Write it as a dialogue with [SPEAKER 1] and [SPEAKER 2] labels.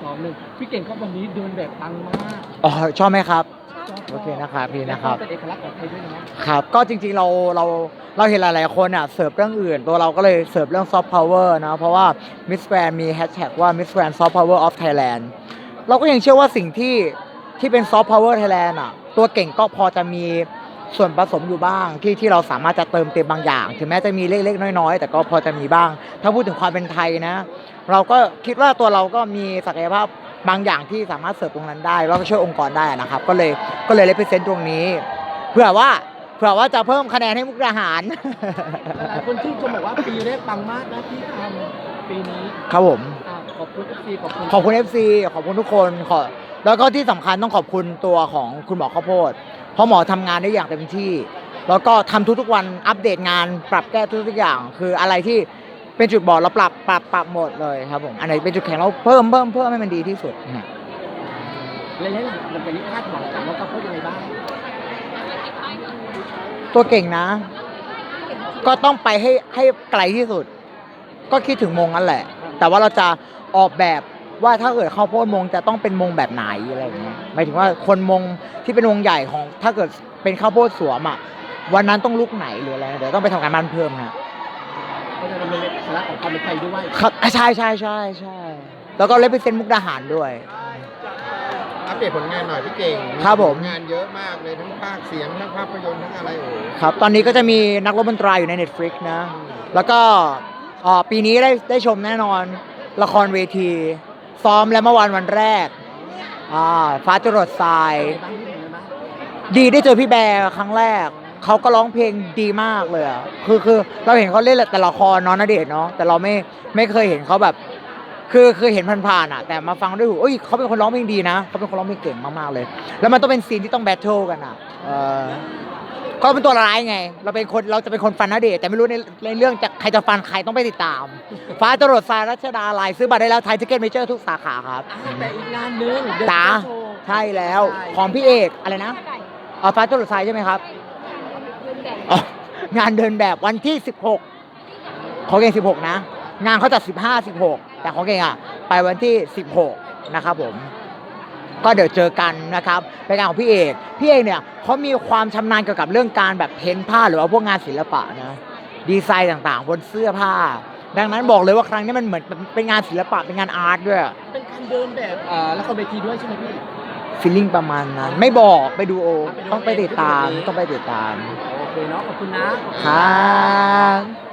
[SPEAKER 1] ซ้อมหนึ่งพี่เก่งครับวันนี้เดินแบบปังมาก
[SPEAKER 2] อ๋อชอบไหมครับ
[SPEAKER 1] ชอบ
[SPEAKER 2] โอเคนะครับพี่นะครับ
[SPEAKER 1] เป็นเอกลักษณ์ของไทยด้วยเนาะ
[SPEAKER 2] ครับก็จริงๆเราเห็นหลายๆคนอ่ะเสิร์ฟเรื่องอื่นตัวเราก็เลยเสิร์ฟเรื่องซอฟต์พาวเวอร์นะเพราะว่า Miss Grand มีแฮชแท็กว่า Miss Grand Soft Power of Thailand เราก็ยังเชื่อว่าสิ่งที่เป็นซอฟต์พาวเวอร์ไทยแลนด์อ่ะตัวเก่งก็พอจะมีส่วนผสมอยู่บ้างที่เราสามารถจะเติมเต็มบางอย่างถึงแม้จะมีเล็กๆน้อยๆแต่ก็พอจะมีบ้าง ถ้าพูดถึงความเป็นไทยนะเราก็คิดว่าตัวเราก็มีศักยภาพบางอย่างที่สามารถเสิร์ฟตรงนั้นได้แล้วก็ช่วยองค์กรได้นะครับก็เลยเลเวอเรนซ์ตรงนี้เพื่อว่าจะเพิ่มคะแนนให้มุกดาหาร
[SPEAKER 1] หลายคนชื่นชมบอกว่าปีแรกปังมากนะที่ทำปีนี้
[SPEAKER 2] ครับผม
[SPEAKER 1] ขอบคุณFCขอบคุณ
[SPEAKER 2] ขอบคุณ FC ขอบคุณทุกคนแล้วก็ที่สำคัญต้องขอบคุณตัวของคุณหมอข้าวโพดเพราะหมอทำงานได้อย่างเต็มที่ แล้วก็ทำทุกๆวันอัปเดตงานปรับแก้ทุกๆอย่าง คืออะไรที่เป็นจุดบอดเราปรับหมดเลยครับผมอันไหนเป็นจุดแข็งเราเพิ่มให้มันดีที่สุดนะ
[SPEAKER 1] ระยะหลังมันเป็นคาดหวังกับน้องข้าวโพดยังไงบ้าง
[SPEAKER 2] ตัวเก่งนะ ก็ต้องไปให้ไกลที่สุด ก็คิดถึงมงนั่นแหละ แต่ว่าเราจะออกแบบว่าถ้าเกิดข้าวโพดมงจะต้องเป็นมงแบบไหนอะไรอย่างเงี้ยหมายถึงว่าคนมงที่เป็นวงใหญ่ของถ้าเกิดเป็นข้าวโพดสวมอ่ะวันนั้นต้องลุกไหนหรืออะไรเดี๋ยวต้องไปทำการบ้านเพิ่มฮะ
[SPEAKER 1] ก็จะเป็นเอกลักษณ์ของความเป็นไทยด้วย
[SPEAKER 2] ครับใช่แล้วก็เลเวอเรนซ์มุกดาหารด้วย
[SPEAKER 3] อัปเดตผลงานหน่อยพี่เก่ง
[SPEAKER 2] ครับผม
[SPEAKER 3] งานเยอะมากเลยทั้งภาคเสียงทั้งภาพยนตร์ทั้งอะไรโอ้โห
[SPEAKER 2] ครับตอนนี้ก็จะมีนักรบดนตรีอยู่ใน Netflix นะ แล้วก็ปีนี้ได้ชมแน่นอนละครเวที ซ้อมแล้วเมื่อวันแรกฟ้าจรดทราย
[SPEAKER 1] บ้างที่ไหนบ้าง
[SPEAKER 2] ดีได้เจอพี่แบร์ครั้งแรก เขาก็ร้องเพลงดีมากเลยอ่ะคือเราเห็นเขาเล่นแต่ละครเนาะณเดชน์เนาะแต่เราไม่เคยเห็นเขาแบบคือเห็นผ่านๆอ่ะแต่มาฟังด้วยหูเอ้ยเขาเป็นคนร้องเพลงดีนะเขาเป็นคนร้องเพลงเก่งมากๆเลย แล้วมันต้องเป็นซีนที่ต้องแบทเทิลกันอ่ะก็เป็นตัวร้ายไงเราจะเป็นคนฟันณเดชน์แต่ไม่รู้ในเรื่องใครจะฟันใครต้องไปติดตาม ฟ้าจรดทรายรัชดาลัยซื้อบัตรได้แล้วไทยทิเก็ตเมเจอร์ทุกสาขาครับ
[SPEAKER 1] แต่อีกงานหนึง
[SPEAKER 2] จ๋าใช่แล้วของพี่เอกอะไรนะฟ้าจรดทรายใช่ไหมครับอ๋องานเดินแบบวันที่ 16ของเก่ง16นะงานเขาจัด15 16แต่ของเก่งอ่ะไปวันที่16นะครับผมก็เดี๋ยวเจอกันนะครับเป็นงานของพี่เอกเนี่ยเขามีความชำนาญเกี่ยวกับเรื่องการแบบเพ้นท์ผ้าหรือว่าพวกงานศิลปะนะดีไซน์ต่างๆบนเสื้อผ้าดังนั้นบอกเลยว่าครั้งนี้มันเหมือนเป็นงานศิลปะเป็นงานอาร์ตด้วย
[SPEAKER 1] เป็นการเดินแบบละครเวทีด้วยใช่ไหมพี่
[SPEAKER 2] ฟีลลิ่งประมาณนั้นไม่บอกไปดูต้องไปติดตาม
[SPEAKER 1] โอเคเนาะขอบคุณนะ
[SPEAKER 2] ครับ